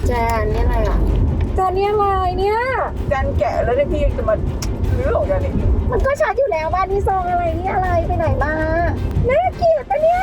แจนนี่อะไรอ่ะแจนนี่อะไรเนี่ยแจนแกะแล้วเนี่ยพี่ยังจะมาลื้อของแจนอีกมันก็ชัดอยู่แล้วบ้านนี้ซองอะไรนี่อะไรไปไหนมาน่าเกลียดปะเนี่ย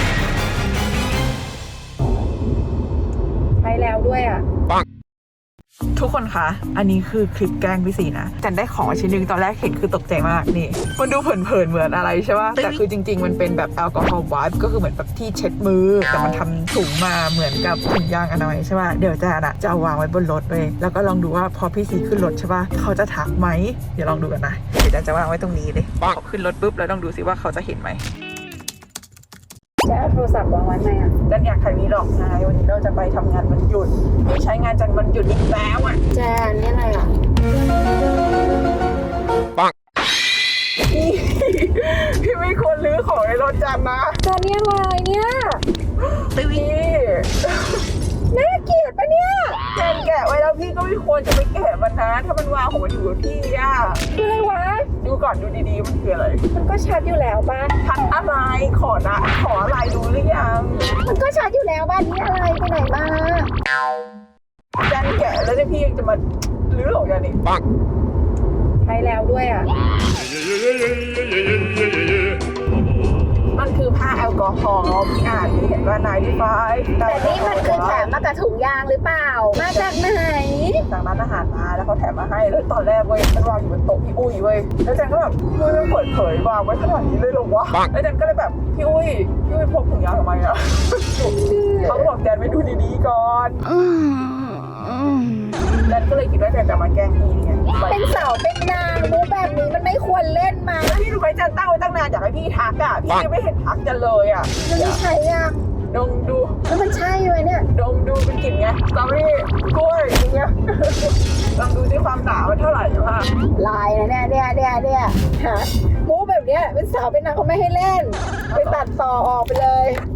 ไปแล้วด้วยอ่ะทุกคนคะ อันนี้คือคลิปแกล้งพี่สีนะจันได้ของชิ้นหนึ่งตอนแรกเห็นคือตกใจมากนี่มันดูเผินๆเหมือนอะไรใช่ป่ะแต่คือจริงๆมันเป็นแบบแอลกอฮอล์ไวป์ก็คือเหมือนแบบที่เช็ดมือแต่มันทำถุงมาเหมือนกับถุงยางอนามัยใช่ป่ะเดี๋ยวจันจะเอาวางไว้บนรถเลยแล้วก็ลองดูว่าพอพี่สีขึ้นรถใช่ป่ะเขาจะทักไหมเดี๋ยวลองดูกันนะเดี๋ยวจันจะวางไว้ตรงนี้เลยพอขึ้นรถปุ๊บแล้วลองดูสิว่าเขาจะเห็นไหมจะเอาโทรศัพท์วางไว้ไหมอ่ะจันอยากถ่ายวีล็อกไงวันนี้เราจะไปทำงานวันหยุดไม่ใช้งานจันวันหยุดอีกแล้วอ่ะแจนนี่อะไรอ่ะพี่ไม่ควรลื้อของในรถจันนะแจนนี่อะไรเนี่ยพี่น่าเกลียดปะเนี่ยแกนแกะไว้แล้วพี่ก็ไม่ควรจะไปแกะมันนะถ้ามันวางของมันอยู่กับพี่อ่ะคืออะไรวะดูก่อนดูดีๆมันคืออะไรมันก็ชัดอยู่แล้วบ้านทันอะไรขอนะขออะไรดูหรือยังมันก็ชัดอยู่แล้วบ้านนี้อะไรไปไหนมาแกนแกะแล้วเนี่ยพี่ยังจะมาลื้อของแกอีกไปแล้วด้วยอ่ะมันคือผ้าแอลกอฮอล์พี่อ่านพี่เห็นว่านายที่ไฟแต่นี่มันคือแถมมากับถุงยางหรือเปล่า มาจากไหนจากร้านอาหารมาแล้วเขาแถมมาให้แล้วตอนแรกเว้ยมันวางอยู่บนโต๊ะพี่อุ้ยเว้ยแล้วจันก็แบบอุ้ยมันเปิดเผยวางไว้ขนาดนี้เลยเหรอวะแล้วจันก็เลยแบบพี่อุ้ยพกถุงยางทำไมอะเขาก็บอกแจนไปดูดีๆก่อนจันก็เลยคิดว่าแจนจะมาแกล้งพี่ไงเป็นเสาเป็นนางมุกแบบนี้มันไม่ควรเล่นมาพี่รู้ไหมจันตั้งไว้ตั้งนานอยากให้พี่ทักอะพี่ยังไม่เห็นทักจันเลยอะมันไม่ใช่ยังดมดูแล้วมันใช่ไหมเนี่ยดมดูเป็นกลิ่นไงสตรอเบอรี่กล้วยอย่างเงี้ยลองดูที่ความหนามันเท่าไหร่ป่ะลายนะเนี่ยฮะมุกแบบเนี้ยเป็นเสาเป็นนางเขาไม่ให้เล่น ไปตัดต่อออกไปเลย